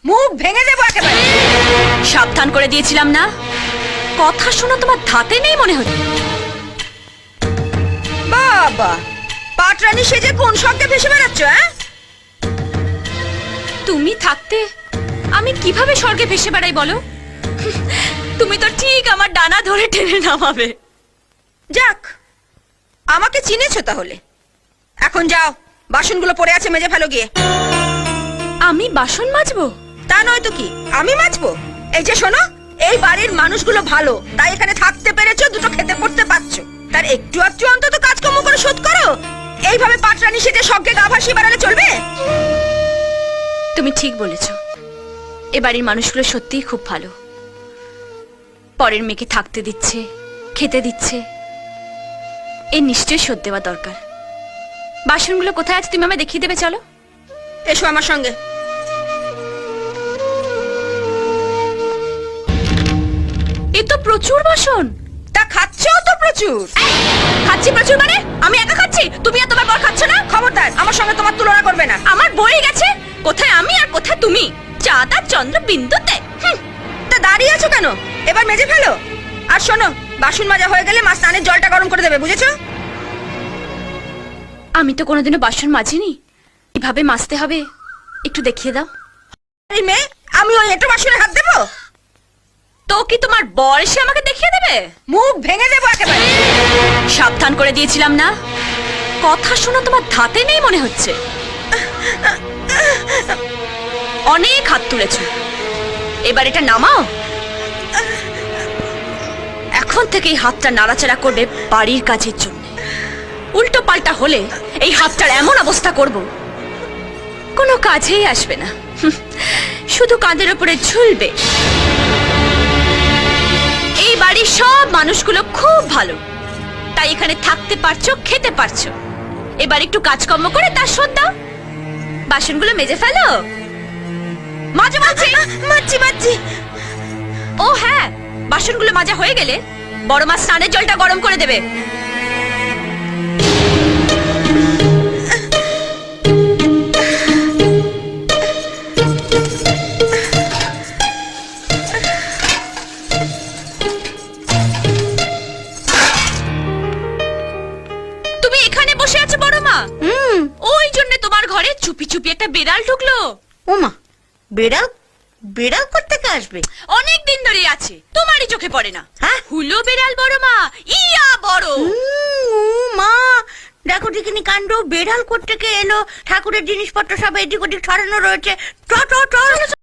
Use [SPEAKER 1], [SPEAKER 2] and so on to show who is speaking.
[SPEAKER 1] মুখ ভেঙে দেবো একেবারে।
[SPEAKER 2] সাবধান করে দিয়েছিলাম না? কথা শোনা তোমার ধাতে নেই মনে হচ্ছে।
[SPEAKER 1] বাবা, পাটরানি সেজে কোন স্বর্গে ভেসে বেড়াচ্ছ?
[SPEAKER 2] তুমি থাকতে আমি কিভাবে স্বর্গে ভেসে বেড়াই বলো? তুমি তো ঠিক আমার ডানা ধরে টেনে নামাবে।
[SPEAKER 1] যাক, আমাকে চিনেছো তাহলে। এখন যাও, বাসনগুলো পড়ে আছে মেজে ফেলো গিয়ে।
[SPEAKER 2] আমি বাসন মাজবো?
[SPEAKER 1] তা নয় তো কি, আমি মাজবো? এই যে শোনো, এই বাড়ির মানুষগুলো ভালো, তাই এখানে থাকতে পেরেছো, দুটো খেতে পড়তে পারছো। তার একটু একটু অন্তত কাজকর্ম করে শোধ করো। এইভাবে পাটরানি সেজে স্বর্গে গা ভাসিয়ে বেড়ালে চলবে?
[SPEAKER 2] তুমি ঠিক বলেছো, এ বাড়ির মানুষগুলো সত্যিই খুব ভালো। পরের মেয়েকে থাকতে দিচ্ছে, খেতে দিচ্ছে, এর নিশ্চয়ই শোধ দেওয়া দরকার। বাসনগুলো কোথায় আছে তুমি আমায় দেখিয়ে দেবে, চলো।
[SPEAKER 1] এসো আমার সঙ্গে।
[SPEAKER 2] এ তো প্রচুর বাসন।
[SPEAKER 1] তা খাচ্ছো তো প্রচুর।
[SPEAKER 2] খাচ্ছি প্রচুর মানে? আমি একা খাচ্ছি, তুমি আর তোমার বর খাচ্ছ না?
[SPEAKER 1] খবরদার, আমার সঙ্গে তোমার তুলনা করবে না।
[SPEAKER 2] আমার বই গেছে, কোথায় আমি আর কোথায় তুমি, চাঁদ আর চন্দ্র বিন্দুতে।
[SPEAKER 1] তা দাঁড়িয়ে আছো কেন? এবার মেজে ফেলো। আর শোনো, বাসন মাজা হয়ে গেলে মা স্নানের জলটা গরম করে দেবে, বুঝেছো?
[SPEAKER 2] আমি তো কোনোদিনও বাসন মাজিনি, কিভাবে মাজতে হবে একটু দেখিয়ে দাও।
[SPEAKER 1] এই মেয়ে, আমি ওই এঁটো বাসনে হাত দেবো?
[SPEAKER 2] তো কি তোমার বর এসে আমাকে দেখিয়ে দেবে?
[SPEAKER 1] মুখ ভেঙে দেবো একেবারে।
[SPEAKER 2] সাবধান করে দিয়েছিলাম না? কথা শোনা তোমার ধাতে নেই মনে হচ্ছে। অনেক হাত তুলেছো, এবার এটা নামাও। এখন থেকে এই হাতটা নাড়াচাড়া করবে বাড়ির কাজের জন্য। উল্টো পাল্টা হলে এই হাতটার এমন অবস্থা করব, কোনো কাজেই আসবে না, শুধু কাঁধের উপরে ঝুলবে। এই বাড়ির সব মানুষগুলো খুব ভালো, তাই এখানে থাকতে পারছো, খেতে পারছো। এবার একটু কাজকর্ম করে তার শোধ দাও। বাসনগুলো মেজে ফেলো। মাঝে মাঝে
[SPEAKER 1] মাছি।
[SPEAKER 2] ও হ্যাঁ, বাসনগুলো মাজা হয়ে গেলে বড় মা স্নানের জলটা গরম করে দেবে। তুমি এখানে বসে আছো বড় মা? ওই জন্য তোমার ঘরে চুপি চুপি একটা বিড়াল ঢুকলো।
[SPEAKER 1] ওমা, বেড়াল? বেড়াল করতে কে আসবে?
[SPEAKER 2] অনেক দিন ধরে আছে, তোমারই চোখে পড়ে না?
[SPEAKER 1] হ্যাঁ,
[SPEAKER 2] হুলো বিড়াল বড় মা, ইয়া বড়।
[SPEAKER 1] মা দেখো দেখিনি কাণ্ড, বেড়াল করতে কে এলো? ঠাকুরের জিনিসপত্র সব এদিক ওদিক ছড়ানো রয়েছে। চ চ চ।